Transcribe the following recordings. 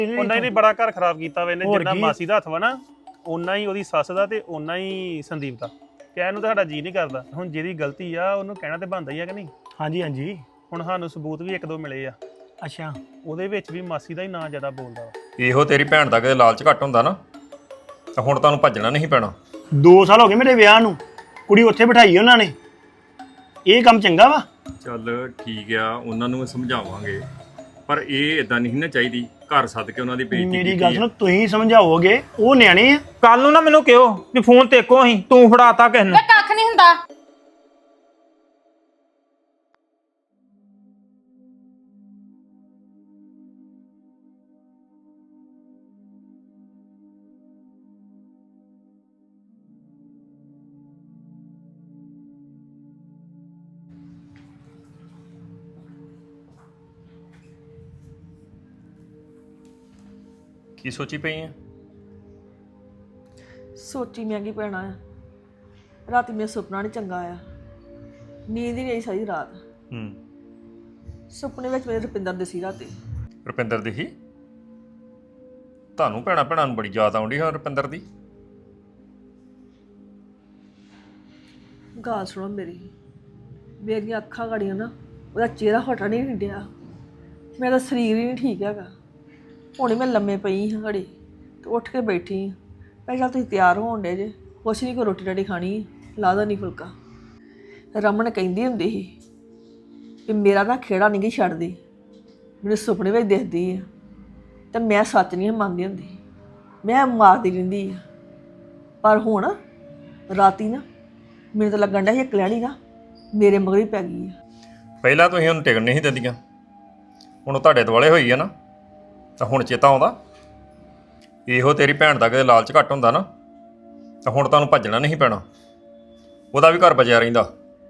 ਉਹਨਾਂ ਹੀ ਬੜਾ ਘਰ ਖਰਾਬ ਕੀਤਾ ਵਾ ਇਹਨੇ ਜਿੰਨਾ ਮਾਸੀ ਦਾ ਹੱਥ ਵਾ ਨਾ ਓਨਾ ਹੀ ਉਹਦੀ ਸੱਸ ਦਾ ਤੇ ਓਨਾ ਹੀ ਸੰਦੀਪ ਦਾ ਕਹਿਣ ਨੂੰ ਤਾਂ ਸਾਡਾ ਜੀ ਨਹੀਂ ਕਰਦਾ ਹੁਣ ਜਿਹਦੀ ਗਲਤੀ ਆ ਉਹਨੂੰ ਕਹਿਣਾ ਤੇ ਬਣਦਾ ਹੀ ਆ ਕਿ ਨਹੀਂ ਹਾਂਜੀ ਹਾਂਜੀ ਹੁਣ ਸਾਨੂੰ ਸਬੂਤ ਵੀ ਇੱਕ ਦੋ ਮਿਲੇ ਆ ਅੱਛਾ ਉਹਦੇ ਵਿੱਚ ਵੀ ਮਾਸੀ ਦਾ ਹੀ ਨਾਂ ਜ਼ਿਆਦਾ ਬੋਲਦਾ ਵਾ ਇਹੋ ਤੇਰੀ ਭੈਣ ਦਾ ਕਿਤੇ ਲਾਲਚ ਘੱਟ ਹੁੰਦਾ ਨਾ ਤਾਂ ਹੁਣ ਤੁਹਾਨੂੰ ਭੱਜਣਾ ਨਹੀਂ ਪੈਣਾ 2 ਸਾਲ ਹੋ ਗਏ ਮੇਰੇ ਵਿਆਹ ਨੂੰ ਕੁੜੀ ਉੱਥੇ ਬਿਠਾਈ ਉਹਨਾਂ ਨੇ ਇਹ ਕੰਮ ਚੰਗਾ ਵਾ ਚੱਲ ਠੀਕ ਆ ਉਹਨਾਂ ਨੂੰ ਸਮਝਾਵਾਂਗੇ ਪਰ ਇਹ ਇਦਾਂ ਨਹੀਂ ਨਾ ਚਾਹੀਦੀ ਘਰ ਸੱਦ ਕੇ ਉਹਨਾਂ ਦੀ ਬੇਇੱਜ਼ਤੀ ਮੇਰੀ ਗੱਲ ਸੁਣੋ ਤੁਸੀਂ ਸਮਝਾਓਗੇ ਉਹ ਨਿਆਣੇ ਆ ਕੱਲ ਨੂੰ ਨਾ ਮੈਨੂੰ ਕਿਹੋ ਵੀ ਫੋਨ ਤੇ ਕੋ ਅਸੀਂ ਤੂੰ ਫੜਾਤਾ ਕਿਸ ਨੂੰ ਵੇ ਕੱਖ ਨਹੀਂ ਹੁੰਦਾ ਕੀ ਸੋਚੀ ਪਈ ਆ ਸੋਚੀ ਮੈਂ ਕੀ ਪੈਣਾ ਆ ਰਾਤੀ ਮੇਰਾ ਸੁਪਨਾ ਨਹੀਂ ਚੰਗਾ ਆਇਆ ਨੀਂਦ ਹੀ ਨਹੀਂ ਆਈ ਸਾਰੀ ਰਾਤ ਸੁਪਨੇ ਵਿੱਚ ਮੇਰੇ ਰੁਪਿੰਦਰ ਦੇ ਸੀ ਰਾਤੀ ਰੁਪਿੰਦਰ ਦੀ ਹੀ ਤੁਹਾਨੂੰ ਭੈਣਾਂ ਭੈਣਾਂ ਨੂੰ ਬੜੀ ਯਾਦ ਆਉਂਦੀ ਹੈ ਰੁਪਿੰਦਰ ਦੀ ਗੱਲ ਸੁਣੋ ਮੇਰੀਆਂ ਅੱਖਾਂ ਗੜੀਆਂ ਨਾ ਉਹਦਾ ਚਿਹਰਾ ਹਟਾ ਨਹੀਂ ਡਿਆ ਮੇਰਾ ਸਰੀਰ ਹੀ ਨਹੀਂ ਠੀਕ ਹੈਗਾ ਹੁਣੇ ਮੈਂ ਲੰਮੇ ਪਈ ਹਾਂ ਘੜੀ ਤੇ ਉੱਠ ਕੇ ਬੈਠੀ ਹਾਂ ਪਹਿਲਾਂ ਤੁਸੀਂ ਤਿਆਰ ਹੋਣ ਡੇ ਜੇ ਕੁਛ ਨਹੀਂ ਕੋਈ ਰੋਟੀ ਰਾਟੀ ਖਾਣੀ ਲਾਦਾ ਨਹੀਂ ਫੁਲਕਾ ਰਮਨ ਕਹਿੰਦੀ ਹੁੰਦੀ ਸੀ ਕਿ ਮੇਰਾ ਨਾ ਖੇੜਾ ਨਹੀਂ ਗੀ ਛੱਡਦੀ ਮੈਨੂੰ ਸੁਪਨੇ ਵਿੱਚ ਦਿਖਦੀ ਆ ਤੇ ਮੈਂ ਸੱਚ ਨਹੀਂ ਮੰਨਦੀ ਹੁੰਦੀ ਮੈਂ ਮਾਰਦੀ ਰਹਿੰਦੀ ਆ ਪਰ ਹੁਣ ਰਾਤੀ ਨਾ ਮੈਨੂੰ ਤਾਂ ਲੱਗਣ ਡਿਆ ਸੀ ਕਲਿਆਣੀ ਨਾ ਮੇਰੇ ਮਗਰ ਹੀ ਪੈ ਗਈ ਆ ਪਹਿਲਾਂ ਤੁਸੀਂ ਉਹਨੂੰ ਟਿਕਣ ਨਹੀਂ ਸੀ ਦਿੰਦੀਆਂ ਹੁਣ ਉਹ ਤੁਹਾਡੇ ਦੁਆਲੇ ਹੋਈ ਆ ਨਾ ਤਾਂ ਹੁਣ ਚੇਤਾ ਆਉਂਦਾ ਇਹੋ ਤੇਰੀ ਭੈਣ ਦਾ ਕਿਤੇ ਲਾਲਚ ਘੱਟ ਹੁੰਦਾ ਨਾ ਤਾਂ ਹੁਣ ਤੁਹਾਨੂੰ ਭੱਜਣਾ ਨਹੀਂ ਪੈਣਾ ਉਹਦਾ ਵੀ ਘਰ ਬਚਿਆ ਰਹਿੰਦਾ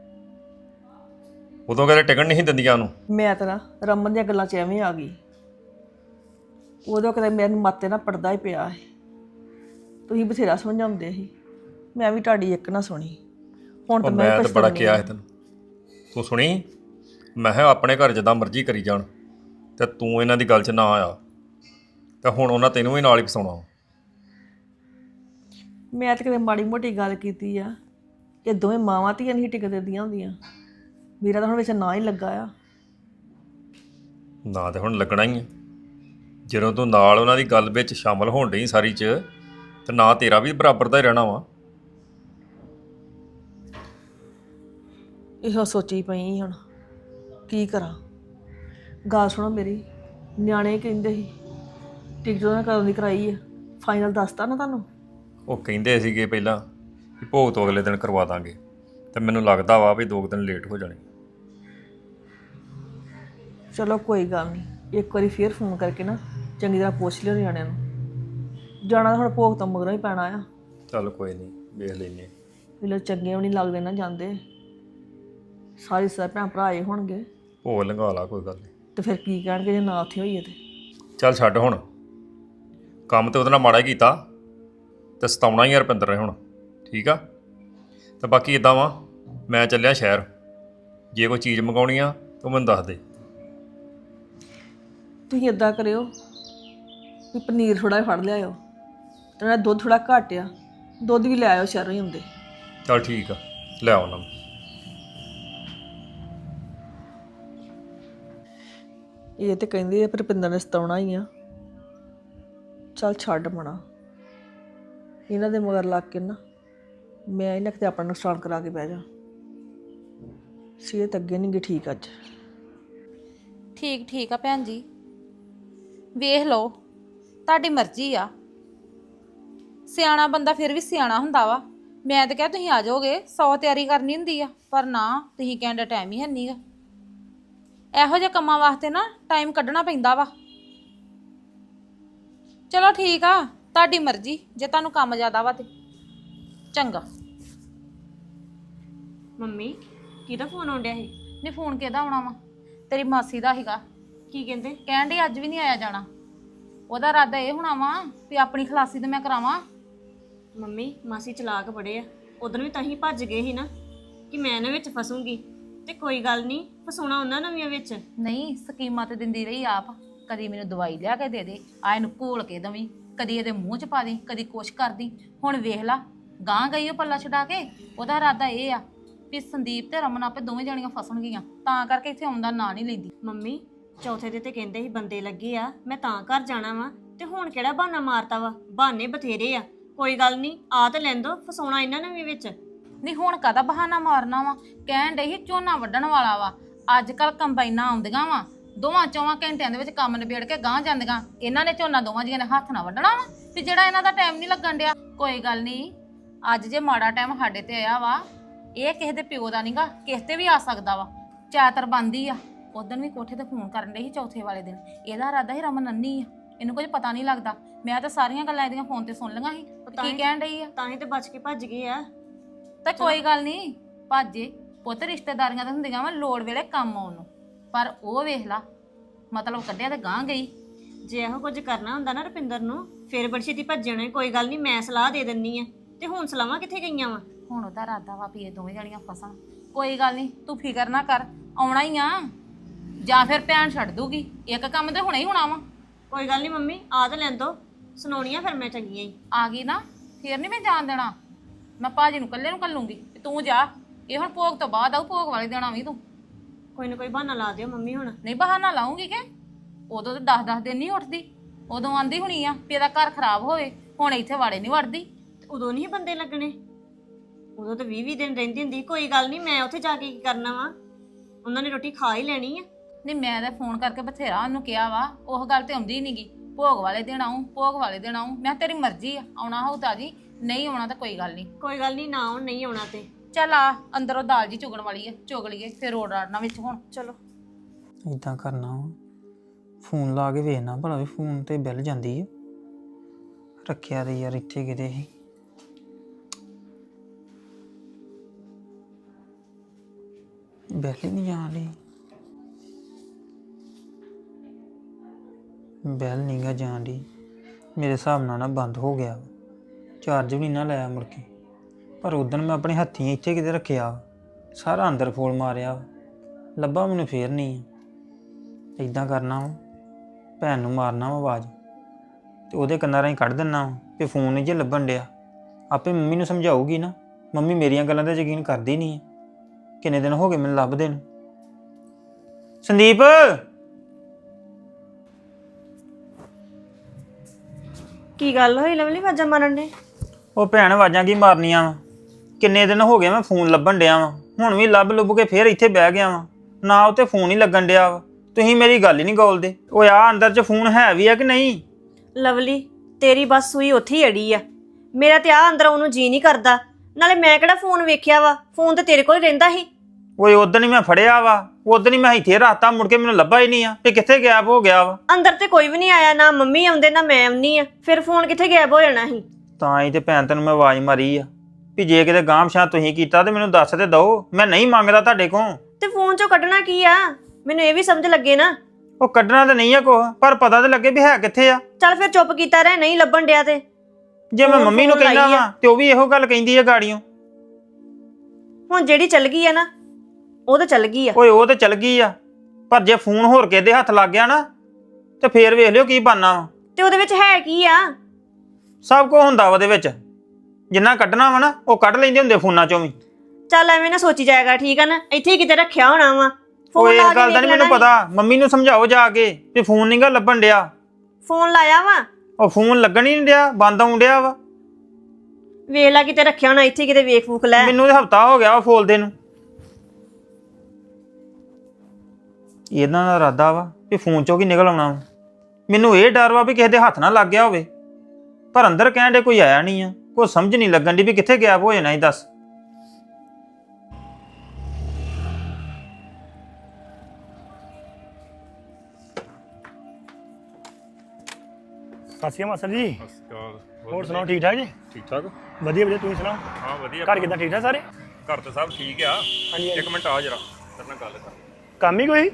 ਉਦੋਂ ਕਦੇ ਟਿਕਣ ਨਹੀਂ ਦਿੰਦੀਆਂ ਉਹਨੂੰ ਮੈਂ ਤਾਂ ਨਾ ਰਮਨ ਦੀਆਂ ਗੱਲਾਂ 'ਚ ਐਵੇਂ ਆ ਗਈ ਉਦੋਂ ਕਦੇ ਮੇਰੇ ਮਾਤੇ ਨਾਲ ਪੜਦਾ ਹੀ ਪਿਆ ਹੈ ਤੁਸੀਂ ਬਥੇਰਾ ਸਮਝਾਉਂਦੇ ਸੀ ਮੈਂ ਵੀ ਤੁਹਾਡੀ ਇੱਕ ਨਾ ਸੁਣੀ ਹੁਣ ਤਾਂ ਮੈਂ ਤਾਂ ਬੜਾ ਪਛਤਾਉਂਦੀ ਕਿਹਾ ਹੈ ਤੈਨੂੰ ਤੂੰ ਸੁਣੀ ਮੈਂ ਕਿਹਾ ਆਪਣੇ ਘਰ ਜਿੱਦਾਂ ਮਰਜ਼ੀ ਕਰੀ ਜਾਣ ਤੇ ਤੂੰ ਇਹਨਾਂ ਦੀ ਗੱਲ 'ਚ ਨਾ ਆਇਆ ਤਾਂ ਹੁਣ ਉਹਨਾਂ ਤੈਨੂੰ ਵੀ ਨਾਲ ਹੀ ਫਸਾਉਣਾ ਮੈਂ ਤਾਂ ਕਦੇ ਮਾੜੀ ਮੋਟੀ ਗੱਲ ਕੀਤੀ ਆ ਕਿ ਦੋਵੇਂ ਮਾਵਾਂ ਧੀਆਂ ਨਹੀਂ ਟਿਕਦੇ ਦੀਆਂ ਹੁੰਦੀਆਂ ਮੇਰਾ ਤਾਂ ਹੁਣ ਵਿੱਚ ਨਾ ਹੀ ਲੱਗਾ ਆ ਨਾ ਤੇ ਹੁਣ ਲੱਗਣਾ ਹੀ ਹੈ ਜਦੋਂ ਤੂੰ ਨਾਲ ਉਹਨਾਂ ਦੀ ਗੱਲ ਵਿੱਚ ਸ਼ਾਮਲ ਹੋਣ ਡਈ ਸਾਰੀ 'ਚ ਤੇ ਨਾ ਤੇਰਾ ਵੀ ਬਰਾਬਰ ਦਾ ਹੀ ਰਹਿਣਾ ਵਾ ਇਹੋ ਸੋਚੀ ਪਈ ਹੁਣ ਕੀ ਕਰਾਂ ਗੱਲ ਸੁਣੋ ਮੇਰੀ ਨਿਆਣੇ ਕਹਿੰਦੇ ਸੀ ਟਿਕਟ ਉਹਨਾਂ ਕਦੋਂ ਦੀ ਕਰਾਈ ਆ ਫਾਈਨਲ ਦੱਸਤਾ ਨਾ ਤੁਹਾਨੂੰ ਉਹ ਕਹਿੰਦੇ ਸੀਗੇ ਪਹਿਲਾਂ ਕਿ ਭੋਗ ਤੋਂ ਅਗਲੇ ਦਿਨ ਕਰਵਾ ਦਾਂਗੇ ਤੇ ਮੈਨੂੰ ਲੱਗਦਾ ਵਾ ਵੀ 2 ਦਿਨ ਲੇਟ ਹੋ ਜਾਣੇ ਚਲੋ ਕੋਈ ਗੱਲ ਨਹੀਂ ਇੱਕ ਵਾਰੀ ਫੇਰ ਫੋਨ ਕਰਕੇ ਨਾ ਚੰਗੀ ਤਰ੍ਹਾਂ ਪੁੱਛ ਲਿਓ ਨਿਆਣਿਆਂ ਨੂੰ ਜਾਣਾ ਤਾਂ ਹੁਣ ਭੋਗ ਤੋਂ ਮਗਰੋਂ ਹੀ ਪੈਣਾ ਆ ਚੱਲ ਕੋਈ ਨਹੀਂ ਵੇਖ ਲੈਨੇ ਵੇਲੇ ਚੰਗੇ ਵੀ ਨਹੀਂ ਲੱਗਦੇ ਨਾ ਜਾਂਦੇ ਸਾਰੇ ਭੈਣ ਭਰਾ ਆਏ ਹੋਣਗੇ ਭੋਗ ਲੰਘਾ ਲਾ ਕੋਈ ਗੱਲ ਨਹੀਂ ਤੇ ਫਿਰ ਕੀ ਕਹਿਣਗੇ ਜੇ ਨਾ ਉੱਥੇ ਹੋਈਏ ਤੇ ਚੱਲ ਛੱਡ ਹੁਣ ਕੰਮ ਤੇ ਉਹਦੇ ਨਾਲ ਮਾੜਾ ਹੀ ਕੀਤਾ ਤੇ ਸਤਾਉਣਾ ਹੀ ਆ ਰੁਪਿੰਦਰ ਨੇ ਹੁਣ ਠੀਕ ਆ ਤੇ ਬਾਕੀ ਇਦਾਂ ਵਾ ਮੈਂ ਚੱਲਿਆ ਸ਼ਹਿਰ ਜੇ ਕੋਈ ਚੀਜ਼ ਮੰਗਾਉਣੀ ਆ ਤੂੰ ਮੈਨੂੰ ਦੱਸ ਦੇ ਤੁਸੀਂ ਇਦਾਂ ਕਰਿਓ ਵੀ ਪਨੀਰ ਥੋੜ੍ਹਾ ਜਿਹਾ ਫੜ ਲਿਆਇਓ ਤੇ ਨਾਲ ਦੁੱਧ ਥੋੜ੍ਹਾ ਘੱਟ ਆ ਦੁੱਧ ਵੀ ਲੈ ਆਇਓ ਸ਼ਹਿਰੋਂ ਹੀ ਹੁੰਦੇ ਚੱਲ ਠੀਕ ਆ ਲੈ ਆਉਣਾ ਇਹ ਤੇ ਕਹਿੰਦੇ ਆ ਰੁਪਿੰਦਰ ਨੇ ਸਤਾਉਣਾ ਹੀ ਆ ਚੱਲ ਛੱਡ ਮਣਾ ਇਹਨਾਂ ਦੇ ਮਗਰ ਲੱਗ ਕੇ ਨਾ ਮੈਂ ਇਹਨਾਂ ਕਿਤੇ ਆਪਣਾ ਨੁਕਸਾਨ ਕਰਾ ਕੇ ਬਹਿ ਜਾ ਸਿਹਤ ਅੱਗੇ ਨਹੀਂ ਗੀ ਠੀਕ ਅੱਜ ਠੀਕ ਆ ਭੈਣ ਜੀ ਵੇਖ ਲਓ ਤੁਹਾਡੀ ਮਰਜ਼ੀ ਆ ਸਿਆਣਾ ਬੰਦਾ ਫਿਰ ਵੀ ਸਿਆਣਾ ਹੁੰਦਾ ਵਾ ਮੈਂ ਤਾਂ ਕਿਹਾ ਤੁਸੀਂ ਆ ਜਾਓਗੇ 100 ਤਿਆਰੀ ਕਰਨੀ ਹੁੰਦੀ ਆ ਪਰ ਨਾ ਤੁਸੀਂ ਕਹਿੰਦੇ ਟਾਈਮ ਹੀ ਹੈ ਨਹੀਂਗਾ ਇਹੋ ਜਿਹੇ ਕੰਮਾਂ ਵਾਸਤੇ ਨਾ ਟਾਈਮ ਕੱਢਣਾ ਪੈਂਦਾ ਵਾ ਚਲੋ ਠੀਕ ਆ ਤੁਹਾਡੀ ਮਰਜ਼ੀ ਜੇ ਤੁਹਾਨੂੰ ਕੰਮ ਜ਼ਿਆਦਾ ਵਾ ਤੇ ਚੰਗਾ ਮੰਮੀ ਕਿਹਦਾ ਫੋਨ ਆਉਂਦਿਆ ਸੀ ਨਹੀਂ ਫੋਨ ਕਿਹਦਾ ਆਉਣਾ ਵਾ ਤੇਰੀ ਮਾਸੀ ਦਾ ਸੀਗਾ ਕੀ ਕਹਿੰਦੇ ਕਹਿਣ ਡਈ ਅੱਜ ਵੀ ਨਹੀਂ ਆਇਆ ਜਾਣਾ ਉਹਦਾ ਇਰਾਦਾ ਇਹ ਹੋਣਾ ਵਾ ਵੀ ਆਪਣੀ ਖਲਾਸੀ ਤੇ ਮੈਂ ਕਰਾਵਾਂ ਮੰਮੀ ਮਾਸੀ ਚਲਾਕ ਬੜੇ ਆ ਉਦੋਂ ਵੀ ਤਾਂ ਹੀ ਭੱਜ ਗਏ ਸੀ ਨਾ ਕਿ ਮੈਂ ਇਹਨਾਂ ਵਿੱਚ ਫਸੂੰਗੀ ਤੇ ਕੋਈ ਗੱਲ ਨਹੀਂ ਫਸਾਉਣਾ ਉਹਨਾਂ ਨਵੀਆਂ ਵਿੱਚ ਨਹੀਂ ਸਕੀਮਾਂ ਤੇ ਦਿੰਦੀ ਰਹੀ ਆਪ ਕਦੀ ਮੈਨੂੰ ਦਵਾਈ ਲਿਆ ਕੇ ਦੇ ਦੇ, ਆ ਇਹਨੂੰ ਘੋਲ ਕੇ ਦਵੀਂ, ਕਦੀ ਇਹਦੇ ਮੂੰਹ 'ਚ ਪਾ ਦੇ, ਕਦੀ ਕੁਛ ਕਰਦੀ। ਹੁਣ ਵੇਖ ਲਾ ਗਾਂ ਗਈ ਉਹ ਪੱਲਾ ਛਡਾ ਕੇ। ਉਹਦਾ ਇਰਾਦਾ ਇਹ ਆ ਵੀ ਸੰਦੀਪ ਤੇ ਰਮਨ ਆਪੇ ਦੋਵੇਂ ਜਣੀਆਂ ਫਸਣਗੀਆਂ, ਤਾਂ ਕਰਕੇ ਇੱਥੇ ਆਉਣ ਦਾ ਨਾਂ ਨਹੀਂ ਲੈਂਦੀ। ਮੰਮੀ ਚੌਥੇ ਦੇ ਤੇ ਕਹਿੰਦੇ ਸੀ ਬੰਦੇ ਲੱਗੇ ਆ, ਮੈਂ ਤਾਂ ਘਰ ਜਾਣਾ ਵਾ, ਤੇ ਹੁਣ ਕਿਹੜਾ ਬਹਾਨਾ ਮਾਰਤਾ ਵਾ? ਬਹਾਨੇ ਬਥੇਰੇ ਆ, ਕੋਈ ਗੱਲ ਨਹੀਂ, ਆ ਤੇ ਲੈਂਦੋ, ਫਸਾਉਣਾ ਇਹਨਾਂ ਨੇ ਵੀ ਵਿੱਚ। ਨਹੀਂ ਹੁਣ ਕਾਹਦਾ ਬਹਾਨਾ ਮਾਰਨਾ ਵਾ? ਕਹਿਣ ਡਈ ਸੀ ਝੋਨਾ ਵੱਢਣ ਵਾਲਾ ਵਾ, ਅੱਜ ਕੱਲ ਕੰਬਾਈਨਾਂ ਆਉਂਦੀਆਂ ਵਾ, 2-4 ਘੰਟਿਆਂ ਦੇ ਵਿੱਚ ਕੰਮ ਨਿਬੇੜ ਕੇ ਗਾਂ ਜਾਂਦੀਆਂ। ਇਹਨਾਂ ਨੇ ਝੋਨਾ ਦੋਵਾਂ ਜੀਆਂ ਨੇ ਹੱਥ ਨਾਲ ਵੱਢਣਾ ਵਾ, ਤੇ ਜਿਹੜਾ ਇਹਨਾਂ ਦਾ ਟਾਈਮ ਨਹੀਂ ਲੱਗਣ ਡਿਆ। ਕੋਈ ਗੱਲ ਨਹੀਂ, ਅੱਜ ਜੇ ਮਾੜਾ ਟਾਈਮ ਸਾਡੇ ਤੇ ਆਇਆ ਵਾ, ਇਹ ਕਿਸੇ ਦੇ ਪਿਓ ਦਾ ਨਹੀਂਗਾ, ਕਿਸੇ ਤੇ ਵੀ ਆ ਸਕਦਾ ਵਾ। ਚਾਤਰ ਬੰਦੀ ਆ। ਉਦੋਂ ਵੀ ਕੋਠੇ ਤੇ ਫੋਨ ਕਰਨ ਡਈ ਸੀ ਚੌਥੇ ਵਾਲੇ ਦਿਨ। ਇਹਦਾ ਇਰਾਦਾ ਸੀ ਰਮਨ ਅੰਨੀ ਆ, ਇਹਨੂੰ ਕੁਝ ਪਤਾ ਨਹੀਂ ਲੱਗਦਾ। ਮੈਂ ਤਾਂ ਸਾਰੀਆਂ ਗੱਲਾਂ ਇਹਦੀਆਂ ਫੋਨ ਤੇ ਸੁਣ ਲਈਆਂ ਸੀ ਕੀ ਕਹਿਣ ਡਈ ਆ। ਤਾਂ ਹੀ ਤੇ ਬਚ ਕੇ ਭੱਜ ਗਏ ਆ। ਤੇ ਕੋਈ ਗੱਲ ਨਹੀਂ, ਭਾਜੇ ਪੁੱਤ, ਰਿਸ਼ਤੇਦਾਰੀਆਂ ਤਾਂ ਹੁੰਦੀਆਂ ਵਾ ਲੋੜ ਵੇਲੇ ਕੰਮ ਆਉਣ ਨੂੰ। ਪਰ ਉਹ ਵੇਖ ਲਾ, ਮਤਲਬ ਕੱਢਿਆ ਤੇ ਗਾਂ ਗਈ। ਜੇ ਇਹੋ ਕੁਝ ਕਰਨਾ ਹੁੰਦਾ ਨਾ ਰੁਪਿੰਦਰ ਨੂੰ, ਫਿਰ ਬੜੀ ਛੇਤੀ ਭੱਜਣੇ। ਕੋਈ ਗੱਲ ਨਹੀਂ, ਮੈਂ ਸਲਾਹ ਦੇ ਦਿੰਨੀ ਆ। ਤੇ ਹੁਣ ਸਲਾਹਾਂ ਕਿੱਥੇ ਗਈਆਂ ਵਾ? ਹੁਣ ਉਹਦਾ ਇਰਾਦਾ ਵਾ ਵੀ ਇਹ ਦੋਵੇਂ ਜਣੀਆਂ ਫਸਣ। ਕੋਈ ਗੱਲ ਨਹੀਂ, ਤੂੰ ਫਿਕਰ ਨਾ ਕਰ, ਆਉਣਾ ਹੀ ਆ। ਜਾਂ ਫਿਰ ਭੈਣ ਛੱਡ ਦੂਗੀ, ਇੱਕ ਕੰਮ ਤੇ ਹੁਣੇ ਹੀ ਹੋਣਾ ਵਾ। ਕੋਈ ਗੱਲ ਨਹੀਂ ਮੰਮੀ, ਆ ਤਾਂ ਲੈਂਦੋ, ਸੁਣਾਉਣੀਆਂ ਫਿਰ ਮੈਂ ਚੰਗੀਆਂ ਹੀ। ਆ ਗਈ ਨਾ, ਫਿਰ ਨਹੀਂ ਮੈਂ ਜਾਣ ਦੇਣਾ। ਮੈਂ ਭਾਜੀ ਨੂੰ ਇਕੱਲੇ ਨੂੰ ਕੱਲੂੰਗੀ, ਤੂੰ ਜਾ। ਇਹ ਹੁਣ ਭੋਗ ਤੋਂ ਬਾਅਦ ਆਊ, ਭੋਗ ਵਾਲੇ ਦੇਣਾ ਵੀ ਤੂੰ। ਕੋਈ ਨਾ ਕੋਈ ਬਹਾਨਾ ਲਾ ਦਿਓ ਮੰਮੀ ਹੁਣ। ਨਹੀਂ ਬਹਾਨਾ ਲਾਉਂਗੀ ਕਿ ਉਦੋਂ ਤੇ 10-10 ਦਿਨ ਨਹੀਂ ਉੱਠਦੀ। ਉਦੋਂ ਆਂਦੀ ਹੋਣੀ ਆ ਵੀ ਇਹਦਾ ਘਰ ਖਰਾਬ ਹੋਵੇ, ਹੁਣ ਇੱਥੇ ਵਾੜੇ ਨਹੀਂ ਵੜਦੀ। ਉਦੋਂ ਨਹੀਂ ਬੰਦੇ ਲੱਗਣੇ, ਉਦੋਂ ਤਾਂ 20-20 ਦਿਨ ਰਹਿੰਦੀ ਹੁੰਦੀ। ਕੋਈ ਗੱਲ ਨਹੀਂ, ਮੈਂ ਉੱਥੇ ਜਾ ਕੇ ਕੀ ਕਰਨਾ ਵਾ? ਉਹਨਾਂ ਨੇ ਰੋਟੀ ਖਾ ਹੀ ਲੈਣੀ ਆ। ਨਹੀਂ ਮੈਂ ਤਾਂ ਫੋਨ ਕਰਕੇ ਬਥੇਰਾ ਉਹਨੂੰ ਕਿਹਾ ਵਾ, ਉਹ ਗੱਲ ਤੇ ਆਉਂਦੀ ਨਹੀਂਗੀ। ਭੋਗ ਵਾਲੇ ਦਿਨ ਆਊਂ, ਭੋਗ ਵਾਲੇ ਦਿਨ ਆਊਂ। ਮੈਂ ਤੇਰੀ ਮਰਜ਼ੀ ਆ, ਆਉਣਾ ਹੋਊ ਤਾਂ ਜੀ, ਨਹੀਂ ਆਉਣਾ ਤਾਂ ਕੋਈ ਗੱਲ ਨਹੀਂ। ਕੋਈ ਗੱਲ ਨਹੀਂ, ਨਾ ਹੁਣ ਨਹੀਂ ਆਉਣਾ ਤੇ ਚੱਲ ਆ ਅੰਦਰੋਂ ਦਾਲ ਜੀ ਚੁਗਣ ਵਾਲੀ ਆ, ਚੁਗ ਲਈਏ ਫਿਰ ਰੋੜ ਰਾੜਨਾ ਵਿੱਚ। ਹੁਣ ਚਲੋ। ਇਦਾਂ ਕਰਨਾ ਵਾ, ਫੋਨ ਲਾ ਕੇ ਵੇਖਣਾ ਭਲਾ ਵੀ ਫੋਨ ਤੇ ਬਿੱਲ ਜਾਂਦੀ ਹੈ। ਰੱਖਿਆ ਤੇ ਯਾਰ ਇੱਥੇ ਕਿਤੇ ਸੀ। ਬਿੱਲ ਹੀ ਨਹੀਂ ਜਾਣ ਡਈ। ਬਿੱਲ ਨਹੀਂ ਗਾ ਜਾਣ ਡਈ। ਮੇਰੇ ਹਿਸਾਬ ਨਾਲ ਨਾ ਬੰਦ ਹੋ ਗਿਆ, ਚਾਰਜ ਵੀ ਨਹੀਂ ਨਾ ਲਾਇਆ ਮੁੜ ਕੇ। ਪਰ ਉਦੋਂ ਮੈਂ ਆਪਣੇ ਹੱਥੀਂ ਇੱਥੇ ਕਿਤੇ ਰੱਖਿਆ, ਸਾਰਾ ਅੰਦਰ ਫੋਲ ਮਾਰਿਆ, ਲੱਭਾ ਮੈਨੂੰ ਫੇਰ ਨਹੀਂ। ਇੱਦਾਂ ਕਰਨਾ ਵਾ, ਭੈਣ ਨੂੰ ਮਾਰਨਾ ਵਾ ਆਵਾਜ਼, ਤੇ ਉਹਦੇ ਕੰਨਾਂ ਰਾਹੀਂ ਕੱਢ ਦਿੰਨਾ ਵਾ ਕਿ ਫੋਨ ਨਹੀਂ ਜੇ ਲੱਭਣ ਡਿਆ। ਆਪੇ ਮੰਮੀ ਨੂੰ ਸਮਝਾਊਗੀ ਨਾ। ਮੰਮੀ ਮੇਰੀਆਂ ਗੱਲਾਂ ਤੇ ਯਕੀਨ ਕਰਦੀ ਨਹੀਂ ਹੈ। ਕਿੰਨੇ ਦਿਨ ਹੋ ਗਏ ਮੈਨੂੰ ਲੱਭਦੇ ਨੂੰ। ਸੰਦੀਪ, ਕੀ ਗੱਲ ਹੋਈ ਲਵਲੀ, ਵਾਜਾਂ ਮਾਰਨ ਦੇ? ਉਹ ਭੈਣ ਆਵਾਜ਼ਾਂ ਕੀ ਮਾਰਨੀਆਂ ਵਾ? ਕਿੰਨੇ ਦਿਨ ਹੋ ਗਏ ਮੈਂ ਫੋਨ ਲੱਭਣ ਡਿਆ ਵਾਂ, ਹੁਣ ਵੀ ਲੱਭ ਲੁੱਭ ਕੇ ਫੇਰ ਇੱਥੇ ਬਹਿ ਗਿਆ ਵਾਂ। ਨਾ ਉੱਤੇ ਫੋਨ ਹੀ ਲੱਗਣ ਡਿਆ ਵਾ। ਤੁਸੀਂ ਮੇਰੀ ਗੱਲ ਹੀ ਨਹੀਂ ਗੋਲਦੇ। ਉਹ ਆ ਅੰਦਰ 'ਚ ਫੋਨ ਹੈ ਵੀ ਆ ਕਿ ਨਹੀਂ? ਲਵਲੀ, ਤੇਰੀ ਬਸ ਸੂਈ ਉੱਥੇ ਹੀ ਅੜੀ ਆ। ਮੇਰਾ ਤੇ ਆ ਅੰਦਰ ਉਹਨੂੰ ਜੀ ਨਹੀਂ ਕਰਦਾ। ਨਾਲੇ ਮੈਂ ਕਿਹੜਾ ਫੋਨ ਵੇਖਿਆ ਵਾ, ਫੋਨ ਤੇ ਤੇਰੇ ਕੋਲ ਹੀ ਰਹਿੰਦਾ ਸੀ। ਓਏ ਉਦੋਂ ਹੀ ਮੈਂ ਫੜਿਆ ਵਾ, ਉਦੋਂ ਹੀ ਮੈਂ ਇੱਥੇ ਰੱਖਤਾ, ਮੁੜ ਕੇ ਮੈਨੂੰ ਲੱਭਾ ਹੀ ਨਹੀਂ ਆ ਤੇ ਕਿੱਥੇ ਗਾਇਬ ਹੋ ਗਿਆ ਵਾ। ਅੰਦਰ ਤੇ ਕੋਈ ਵੀ ਨਹੀਂ ਆਇਆ, ਨਾ ਮੰਮੀ ਆਉਂਦੇ ਨਾ ਮੈਂ ਆਉਣੀ ਆ, ਫਿਰ ਫੋਨ ਕਿੱਥੇ ਗਾਇਬ ਹੋ ਜਾਣਾ ਸੀ? ਤਾਂ ਹੀ ਤੇ ਭੈਣ ਤੈਨੂੰ ਮੈਂ ਆਵਾਜ਼ ਮਾਰੀ ਆ ਵੀ ਜੇ ਕਿਤੇ ਗਾਂਹ ਪਛਾਂ ਤੁਸੀਂ ਕੀਤਾ ਤੇ ਮੈਨੂੰ ਦੱਸ ਤੇ ਦਓ। ਮੈਂ ਨਹੀਂ ਮੰਗਦਾ ਤੁਹਾਡੇ ਕੋਲ। ਤੇ ਫੋਨ ਚੋਂ ਕੱਢਣਾ ਕੀ ਆ? ਮੈਨੂੰ ਇਹ ਵੀ ਸਮਝ ਲੱਗੇ ਨਾ। ਉਹ ਕੱਢਣਾ ਤਾਂ ਨਹੀਂ ਆ ਕੁਛ, ਪਰ ਪਤਾ ਤਾਂ ਲੱਗੇ ਵੀ ਹੈ ਕਿੱਥੇ ਆ। ਚੱਲ ਫਿਰ ਚੁੱਪ ਕੀਤਾ ਰਹਿ, ਨਹੀਂ ਲੱਭਣ ਡਿਆ ਤੇ। ਜੇ ਮੈਂ ਮੰਮੀ ਨੂੰ ਕਹਿੰਦਾ ਵਾ ਤੇ ਉਹ ਵੀ ਇਹੋ ਗੱਲ ਕਹਿੰਦੀ ਆ ਗਾੜੀਆਂ। ਹੁਣ ਜਿਹੜੀ ਚੱਲ ਗਈ ਆ ਨਾ, ਉਹ ਤਾਂ ਚੱਲ ਗਈ ਆ। ਓਏ ਉਹ ਤੇ ਚਲ ਗਈ ਆ, ਪਰ ਜੇ ਫੋਨ ਹੋਰ ਕਿਸੇ ਦੇ ਹੱਥ ਲੱਗ ਗਿਆ ਨਾ ਤੇ ਫੇਰ ਵੇਖ ਲਿਓ ਕੀ ਬਣਨਾ ਵਾ। ਤੇ ਉਹਦੇ ਵਿੱਚ ਹੈ ਕੀ ਆ? ਸਭ ਕੁਝ ਹੁੰਦਾ ਉਹਦੇ ਵਿੱਚ। ਜਿੰਨਾ ਕੱਢਣਾ ਵਾ ਨਾ ਉਹ ਕੱਢ ਲੈਂਦੇ ਹੁੰਦੇ ਫੋਨਾਂ ਚੋਂ ਵੀ। ਚੱਲ ਐਵੇਂ ਨਾ ਸੋਚੀ ਜਾਏਗਾ, ਠੀਕ ਆ ਨਾ? ਇੱਥੇ ਹੀ ਕਿਤੇ ਰੱਖਿਆ ਹੋਣਾ ਵਾ। ਓਏ ਇਸ ਗੱਲ ਦਾ ਨਹੀਂ ਮੈਨੂੰ ਪਤਾ। ਮੰਮੀ ਨੂੰ ਸਮਝਾਓ ਜਾ ਕੇ ਵੀ ਫੋਨ ਨਹੀਂਗਾ ਲੱਭਣ ਡਿਆ। ਫੋਨ ਲਾਇਆ ਵਾ, ਉਹ ਫੋਨ ਲੱਗਣ ਹੀ ਨਹੀਂ ਡਿਆ, ਬੰਦ ਆਉਣ ਡਿਆ ਵਾ। ਵੇਖ ਲੈ ਕਿਤੇ ਰੱਖਿਆ ਹੋਣਾ, ਇੱਥੇ ਕਿਤੇ ਵੇਖ ਫੂਕ ਲੈ। ਮੈਨੂੰ ਤੇ ਹਫਤਾ ਹੋ ਗਿਆ ਵਾ ਫੋਲਦੇ ਨੂੰ। ਇਹਨਾਂ ਦਾ ਇਰਾਦਾ ਵਾ ਵੀ ਫੋਨ ਚੋਂ ਕੀ ਨਿਕਲ ਆਉਣਾ ਵਾ। ਮੈਨੂੰ ਇਹ ਡਰ ਵਾ ਵੀ ਕਿਸੇ ਦੇ ਹੱਥ ਨਾ ਲੱਗ ਗਿਆ ਹੋਵੇ, ਪਰ ਅੰਦਰ ਕਹਿਣ ਦੇ ਕੋਈ ਆਇਆ ਨਹੀਂ ਆ। ਕੋਈ ਸਮਝ ਨਹੀਂ ਲੱਗਣ ਦੀ ਵੀ ਕਿੱਥੇ ਗਾਇਬ ਹੋ ਜਾਣਾ ਹੀ। ਦੱਸ ਸਤਿ ਸ਼੍ਰੀ ਅਕਾਲ ਮਾਸਟਰ ਜੀ। ਹੋਰ ਸੁਣਾਓ, ਠੀਕ ਠਾਕ ਜੀ? ਠੀਕ ਠਾਕ। ਵਧੀਆ ਵਧੀਆ, ਤੁਸੀਂ ਸੁਣਾਓ? ਹਾਂ ਵਧੀਆ। ਘਰ ਕਿੱਦਾਂ, ਠੀਕ ਠਾਕ ਸਾਰੇ? ਘਰ ਤੇ ਸਭ ਠੀਕ ਆ। ਹਾਂਜੀ ਇੱਕ ਮਿੰਟ ਆ ਜਰਾ, ਤੇਰੇ ਨਾਲ ਗੱਲ ਕਰ। ਕੰਮ ਹੀ ਕੋਈ?